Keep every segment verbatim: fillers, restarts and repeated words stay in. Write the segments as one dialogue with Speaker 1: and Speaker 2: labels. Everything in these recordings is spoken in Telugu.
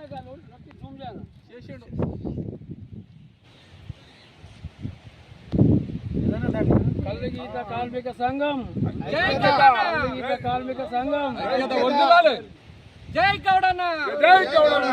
Speaker 1: కల్లుగీత కార్మిక సంఘం కల్లుగీత కార్మిక సంఘం
Speaker 2: జై గౌడన్న
Speaker 3: జై గౌడన్న.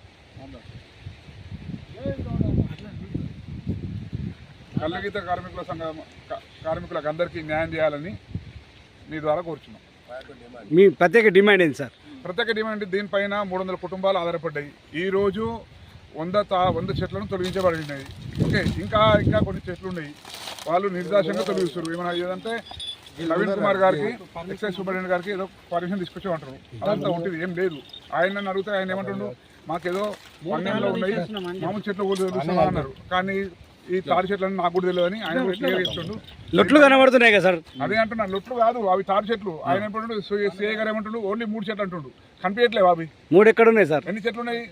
Speaker 3: కల్లుగీత కార్మికుల సంఘం కార్మికులకు అందరికీ న్యాయం చేయాలని మీ ద్వారా కోరుచున్నాం.
Speaker 4: మీ ప్రత్యేక డిమాండ్ ఏంటి సార్?
Speaker 3: ప్రత్యేక డిమాండ్ దీనిపైన మూడు వందల కుటుంబాలు ఆధారపడ్డాయి. ఈరోజు వంద తా వంద చెట్లను తొలగించబడినాయి. ఓకే, ఇంకా ఇంకా కొన్ని చెట్లు ఉన్నాయి, వాళ్ళు నిర్దాక్షంగా తొలగిస్తారు. ఏమైనా ఏదంటే నవీన్ కుమార్ గారికి, ఎక్సైజ్ సూపరింటెండెంట్ గారికి ఏదో పర్మిషన్ తీసుకొచ్చామంటారు. అదంతా ఉంటుంది, ఏం లేదు. ఆయన అడిగితే ఆయన ఏమంటుండ్రు, మాకేదో పన్నెండులో ఉన్నాయి మామూలు చెట్లు కూడా తెలుస్తున్నా అన్నారు. కానీ ఈ తాడి చెట్లను నాకు కూడా తెలియదు అని ఆయన క్లియర్ చేస్తుండు.
Speaker 4: లొట్లు కనబడుతున్నాయి కదా సార్?
Speaker 3: అదే అంటున్నాను, లొట్లు కాదు అవి తాడి చెట్లు. ఆయన ఏమంటుండు, సిఐ గారు ఏమంటుండు, ఓన్లీ మూడు చెట్లు అంటుండు. కనిపించట్లేవు అవి.
Speaker 4: మూడు ఎక్కడ ఉన్నాయి సార్?
Speaker 3: ఎన్ని చెట్లు ఉన్నాయి?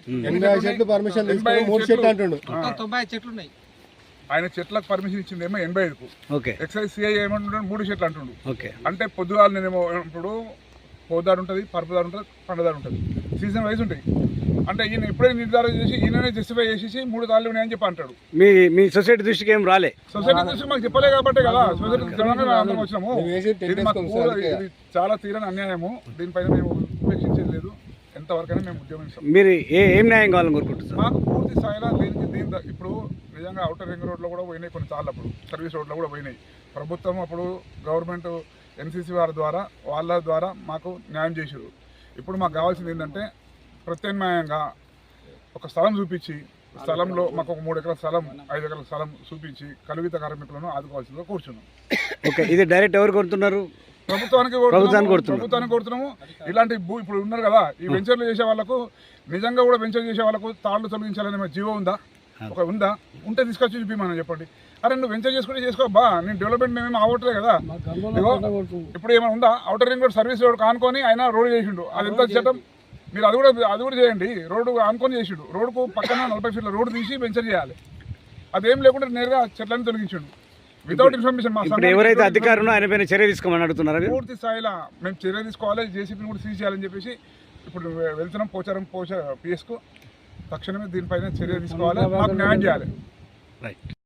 Speaker 2: తొంభై చెట్లు ఉన్నాయి.
Speaker 3: ఆయన చెట్లకు పర్మిషన్ ఇచ్చింది ఏమో ఎనభై ఐదుకు.
Speaker 4: ఓకే,
Speaker 3: ఎక్సైజ్ సిఐ ఏమంటుంటాడు, మూడు చెట్లు అంటుండు.
Speaker 4: ఓకే,
Speaker 3: అంటే పొద్దుగాలు నేనేమో ఇప్పుడు పోదారు ఉంటుంది, పరుపుదారు ఉంటుంది, పండదారు ఉంటుంది, సీజన్ వైజ్ ఉంటాయి. అంటే ఈయన ఎప్పుడే నిర్ధారణ చేసి ఈయననే జస్టిఫై చేసేసి మూడు తాళ్ళు ఉన్నాయని చెప్పి అంటాడు.
Speaker 4: మీ మీ సొసైటీ దృష్టికి ఏం రాలే?
Speaker 3: సొసైటీ దృష్టికి మాకు చెప్పలే కాబట్టి కదా సొసైటీ అందరం వచ్చినాము. ఇది మాకు ఇది చాలా తీరని అన్యాయము. దీనిపైన మేము ఉపేక్షించేది లేదు. ఎంతవరకైనా మేము ఉద్యమిస్తాం.
Speaker 4: మీరు ఏ ఏం న్యాయం కావాలని కోరుకుంటున్నారు?
Speaker 3: మాకు పూర్తి స్థాయిలో దీనికి దీని ఇప్పుడు నిజంగా అవుటర్ రింగ్ రోడ్లో కూడా పోయినాయి కొన్ని సార్లు, అప్పుడు సర్వీస్ రోడ్లో కూడా పోయినాయి. ప్రభుత్వం అప్పుడు గవర్నమెంట్ ఎన్సీసీ వారి ద్వారా వాళ్ళ ద్వారా మాకు న్యాయం చేసారు. ఇప్పుడు మాకు కావాల్సింది ఏంటంటే ప్రత్యామ్నాయంగా ఒక స్థలం చూపించి, స్థలంలో మాకు ఒక మూడు ఎకరాల స్థలం, ఐదు ఎకరాల స్థలం చూపించి కలుగిత కార్మికులను ఆదుకోవాల్సిందిగా కూర్చున్నాం.
Speaker 4: ఓకే, ఇది డైరెక్ట్ ఎవరు కోరుతున్నారు?
Speaker 3: ప్రభుత్వానికి ప్రభుత్వానికి కోరుతున్నాము. ఇలాంటి భూ ఇప్పుడు ఉన్నారు కదా ఈ వెంచర్లు చేసే వాళ్ళకు, నిజంగా కూడా వెంచర్ చేసే వాళ్ళకు తాళ్ళు తొలగించాలనే జీవో ఉందా? ఒక ఉందా? ఉంటే తీసుకొచ్చి చూపిమని చెప్పండి. అరే నువ్వు వెంచర్ చేసుకుంటే చేసుకో బా, నేను డెవలప్మెంట్ మేమేమి అవ్వట్లే కదా. ఇప్పుడు ఏమైనా ఉందా? Outer ring road service road కానుకొని ఆయన రోడ్ చేసిండు, అది ఎంత చట్టం? మీరు అది కూడా అది కూడా చేయండి. రోడ్డు ఆనుకొని చేసిండు, రోడ్డుకు పక్కన నలభై ఫీట్ల రోడ్డు తీసి వెంచర్ చేయాలి. అదేం లేకుండా నేరుగా చెట్లని తొలగించిండు వితౌట్ ఇన్ఫర్మేషన్. మా
Speaker 4: ఎవరైతే అధికారులు ఆయన పైన చర్య తీసుకోమని అడుగుతున్నారు.
Speaker 3: పూర్తి స్థాయిలో మేము చర్య తీసుకోవాలి, జేసీపీని కూడా సీజ్ చేయాలని చెప్పేసి ఇప్పుడు వెళ్తున్నాం. పోచారం పోచ పిఎస్కు తక్షణమే దీనిపైన చర్య తీసుకోవాలి, మాకు న్యాయం చేయాలి.
Speaker 4: రైట్.